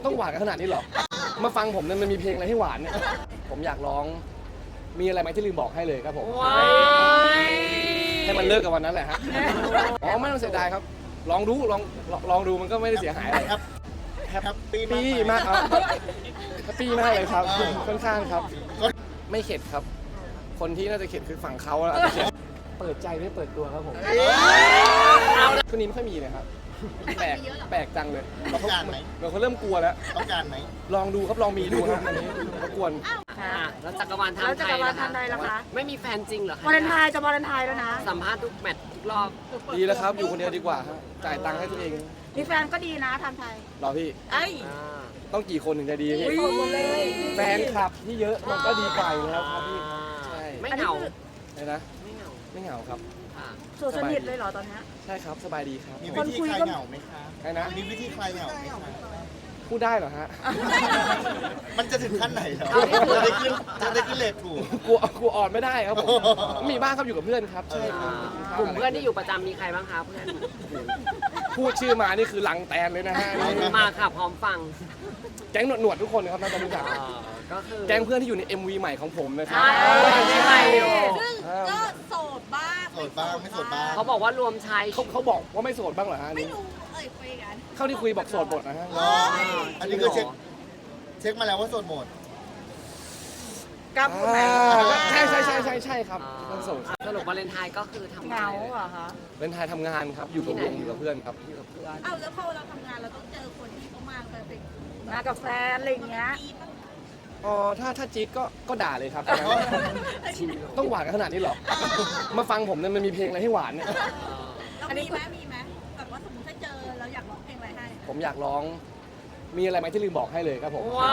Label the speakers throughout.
Speaker 1: ต้องหวานกันขนาดนี้เหรอ มาฟังผมเนี่ยมันมีเพลงอะไรให้หวานเนี่ย ผมอยากร้อง มีอะไรไหมที่ลืมบอกให้เลยครับผม ให้มันเลิกกับวันนั้นแหละฮะ อ๋อไม่ต้องเสียดายครับ ลองดูลองดูมันก็ไม่ได้เสียหายอะไร
Speaker 2: แฮปปี้
Speaker 1: ปี้มากครับแฮปปี้มากเลยครับ ค่อนข้างครับ ไม่เข็ดครับ คนที่น่าจะเข็ดคือฝั่งเขาแล้วอาจจะเข็ดเปิดใจไม่เปิดตัวครับผมช่วงนี้ไม่ค่อยมีเลยครับ แปลกจังเลย
Speaker 2: ต้องการไหม
Speaker 1: เขาเริ่มกลัวแล้ว
Speaker 2: ต้องการไหม
Speaker 1: ลองดูครับลองมีดูครับอันนี้รบกวน
Speaker 3: ค่ะแล้วจักรวาล
Speaker 4: แล้ว
Speaker 3: ทำ
Speaker 4: จั
Speaker 3: ไท
Speaker 4: กร
Speaker 3: ยว
Speaker 4: าล
Speaker 3: ล่ะคะ
Speaker 4: ทำไทยล่ะคะ
Speaker 3: ไม่มีแฟนจริงเหรอคะ
Speaker 4: วาเลนไทน์จะวาเลนไทน์แล้วนะ
Speaker 3: สัมภาษณ์ทุกแมตช์ทุกรอบ
Speaker 1: ดีแล้วครับ อยู่คนเดียวดีกว่าครับจ่ายตังค์ให้ตัวเอง
Speaker 4: มีแฟนก็ดีนะทำไทย
Speaker 1: รอพี่
Speaker 4: เอ้ย
Speaker 1: ต้องกี่คนถึงจะดีพี่
Speaker 4: โสดหมดเลย
Speaker 1: แฟนคลับที่เยอะมันก็ดีกว่าอยู่แล้วครับพี่ใช่
Speaker 3: ไม่เหงา
Speaker 1: ไหนนะ
Speaker 3: ไม่เหงา
Speaker 1: ไม่เหงาครับ
Speaker 3: ค่ะ
Speaker 4: โสดสนิทเลยเหรอตอนเนี้ย
Speaker 1: ใช่ครับสบายดีครับ
Speaker 2: มีวิธีคลายเหงาไหมคะ
Speaker 1: ใครนะ
Speaker 2: มีวิธีคลายเหงาไหมคะ
Speaker 1: พูดได้เหรอฮะ
Speaker 2: มันจะถึงขั้นไหนแล้วจะได้ขึ้นเลทถูก
Speaker 1: กลัวอ่อนไม่ได้ครับผมมีบ้างครับอยู่กับเพื่อนครับใช่ครับ
Speaker 3: กลุ่มเพื่อนที่อยู่ประจำมีใครบ้างคะเพื่อน
Speaker 1: พูดชื่อมานี่คือลังแตนเลยนะฮะนี่
Speaker 3: มาค่ะพร้อมฟัง
Speaker 1: แก๊งหนวดๆทุกคนนะครับน่าจะรู้จัก
Speaker 3: ก็คือ
Speaker 1: แก๊งเพื่อนที่อยู่ใน MV ใหม่ของผมนะครับ
Speaker 3: ใช่อยู่
Speaker 5: ซึ่งก็โสดบ้าง
Speaker 2: โสดบ้างไม่โสดบ้าง
Speaker 3: เขาบอกว่ารวมชาย
Speaker 1: เขาบอกว่าไม่โสดบ้างเหรอฮะอัน
Speaker 5: ไม่
Speaker 1: นี่
Speaker 5: รู้คุยกัน
Speaker 1: เข้าที่คุยบอกโสดหมดนะฮะ
Speaker 2: เหรออันนี้คือเช็คมาแล้วว่าโสดหมด
Speaker 4: กล้าพูดไหม
Speaker 1: ใช่ครับต้องโสด
Speaker 3: สรุปวาเลนไทน์ก็คือทำ
Speaker 4: เหงาเหรอคะ
Speaker 1: เป็นไทยทำงานครับอยู่กับวงอยู่กับเพื่อนครับ
Speaker 3: อยู่กับเพื่อน
Speaker 5: เอาแล้วพอเราทำงานเราต้องเจอคนที่เขามาเป็น
Speaker 4: มากับแฟนอะไรอย่างเงี้ย
Speaker 5: ปีป่ะ
Speaker 1: อ๋อถ้าจี๊ดก็ด่าเลยครับ ต้องหวานกันขนาดนี้เหรอ มาฟังผมเนี่ยมันมีเพลงอะไรให้หวานเนี่ย
Speaker 5: แล้วมีไหมแบบว่าสมมติถ้าเจอเราอยากร้องเพลงอะไรให้
Speaker 1: ผมอยากร้อง มีอะไรไหมที่ลืมบอกให้เลยครับผม
Speaker 3: ว้าย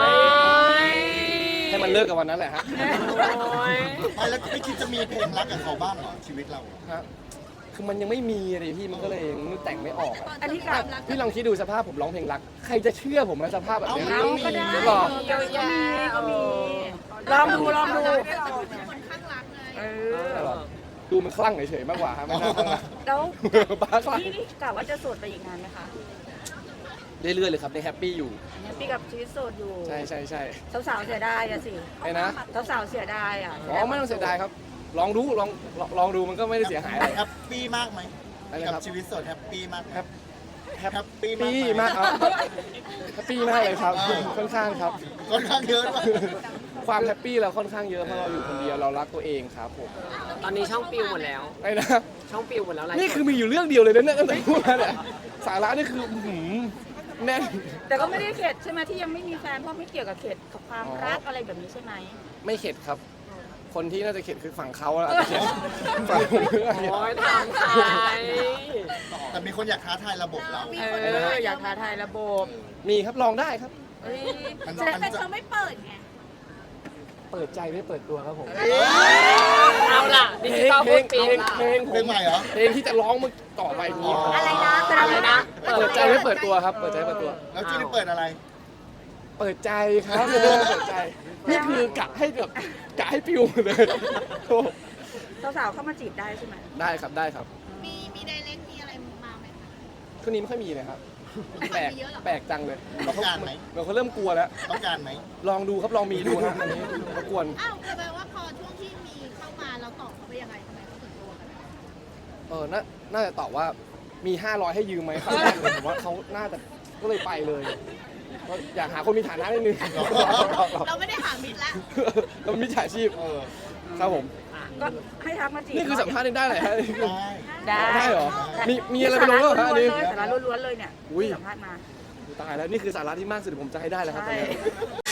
Speaker 1: ให้มันเลิกกับวันนั้นแหละฮะ
Speaker 2: ไม่แล้วไม่คิดจะมีเพลงรักกับเขาบ้างเหรอชีวิตเรา
Speaker 1: ฮะคือมันยังไม่มีเลยพี่มันก็เลยมันแต่งไม่ออก
Speaker 5: ต
Speaker 1: อะ
Speaker 5: อนเจอความรัก
Speaker 1: พี่ลองคิดดูสภาพผมร้องเพลงรัก ใครจะเชื่อผมในสภาพแบบนี้
Speaker 4: เอาก็ได้
Speaker 1: หรอ
Speaker 3: เยอะแยะ
Speaker 4: ก็มีลองดู
Speaker 5: เป็นคนข้างรักเลย
Speaker 4: เอ
Speaker 1: หร
Speaker 4: อ
Speaker 1: อดูมันคลั่งเฉยๆมากกว่าครับไม่น่าคลั่งนะ
Speaker 4: แล้ว
Speaker 1: บ้าคลั่ง
Speaker 4: นี่กะว่าจะโสดไปอีกนานไหมคะ
Speaker 1: เรื่อยๆเลยครับในแฮปปี้อยู่
Speaker 4: แฮปปี้กับชีวิตโสดอยู่
Speaker 1: ใช่
Speaker 4: สาวๆเสียดายอะสิ
Speaker 1: ไอ้นะ
Speaker 4: สาวๆเสียดายอะ
Speaker 1: อ๋อไม่ต้องเสียดายครับ ลองดูมันก็ไม่ได้เสียหายอะไร
Speaker 2: แฮปปี้มากไหม
Speaker 1: อะไร
Speaker 2: กับ
Speaker 1: ครับ
Speaker 2: ชีวิตโสดแฮปปี้มากไหม
Speaker 1: แฮป
Speaker 2: แฮปปี้
Speaker 1: ปี้
Speaker 2: มาม
Speaker 1: าก กครับแฮปปี้มากเลยครับ ค่อนข้างครับ
Speaker 2: ค่อนข้างเยอะด้วย
Speaker 1: ความแฮปปี้เราค่อนข้างเยอะเพราะเราอยู่คนเดียวเรารักตัวเองครับผม
Speaker 3: ตอนนี้ช่องปิวหมดแล้ว
Speaker 1: ไอ้นะ
Speaker 3: ช่องปิวหมดแล้วอะไร
Speaker 1: นี่คือมีอยู่เรื่องเดียวเลยนะเนี่ยตั้งแต่พูดมาเนี่ยสาระนี่คือแน่น
Speaker 4: แต่ก็ไม่ได้เข็ดใช่ไหมที่ยังไม่มีแฟนเพราะไม่เกี่ยวกับเข็ดกับความรักอะไรแบบนี้ใช่ไหม
Speaker 1: ไม่เข็ดครับ คนที่น่าจะเข็ดคือฝั่งเขาแล้วอาจจะเข็ดฝั่งผมไม่เข็ด
Speaker 3: โอ้ยทำไทย
Speaker 2: แต่มีคนอยากท้าทายระบบเรา
Speaker 4: อยากท้าทายระบบ
Speaker 1: มีครับลองได้ครับ
Speaker 4: เอ้ย
Speaker 5: แต่เธอไม่เปิดไง
Speaker 1: เปิดใจไม่เปิดตัวครับผม
Speaker 3: เอาล่ะดิ
Speaker 1: เพล
Speaker 3: จิ
Speaker 1: ง
Speaker 3: ตอล
Speaker 1: เพล
Speaker 3: พู
Speaker 1: ง
Speaker 3: ด
Speaker 1: เพ
Speaker 3: ปิ
Speaker 1: ล
Speaker 3: ว
Speaker 1: งเพลงผ
Speaker 2: เพลง
Speaker 1: ม
Speaker 2: ใหม่เหรอ
Speaker 1: เพลงที่จะร้องมันต่อไปนี้
Speaker 4: อะไรนะ
Speaker 3: อะไรนะ
Speaker 1: เปิดใจไม่เปิดตัวครับ เปิดใจไม่เปิดตัว
Speaker 2: แล้วที่นี่เปิดอะไร
Speaker 1: เปิดใจครับเปิดใจ นี่คือกะให้แบบกะให้ปิวเลยโอ้
Speaker 4: สาวๆเข้ามาจีบได้ใช่ไหม
Speaker 1: ได้ครับได้ครับ
Speaker 5: มีไดเรกมีอะไรมาไหมคะ
Speaker 1: ช่วงนี้ไม่ค่อยมีเลยครับ แปลกจังเลย
Speaker 2: ต้องการไหม
Speaker 1: เขาเริ่มกลัวแล้ว
Speaker 2: ต้องการไหม
Speaker 1: ลองดูครับลองมีดูครับอันนี้รบกวน
Speaker 5: อ้าวแปลว่าพอช่วงที่มีเข้ามาเราตอบเขาไปยังไงทำไมเขาถึงกลัวกัน
Speaker 1: น่าจะตอบว่ามี 500 ให้ยืมไหมครับผมว่าเขาน่าจะก็เลยไปเลยก็อยากหาคนมีฐานะนิดนึง
Speaker 5: เราไม่ได้หามิตรแล้ว
Speaker 1: เรามิจฉาชีพ
Speaker 2: เออ
Speaker 1: ครับผม
Speaker 4: ก็ให้ทักมาจีบ
Speaker 1: นี่คือสัมภาษณ์ได้เหรอฮะ
Speaker 2: ได้
Speaker 1: ได้เหรอมีอะไรไปลงแล้วเหรอฮะอันนี้
Speaker 4: สาระล้วนๆเลยเนี่ย
Speaker 1: อุ้ย
Speaker 4: สัมภาษณ์มา
Speaker 1: ตายแล้วนี่คือสาระที่มากสุดที่ผมจะให้ได้แล้วครับตอน
Speaker 4: ใช่
Speaker 1: นี้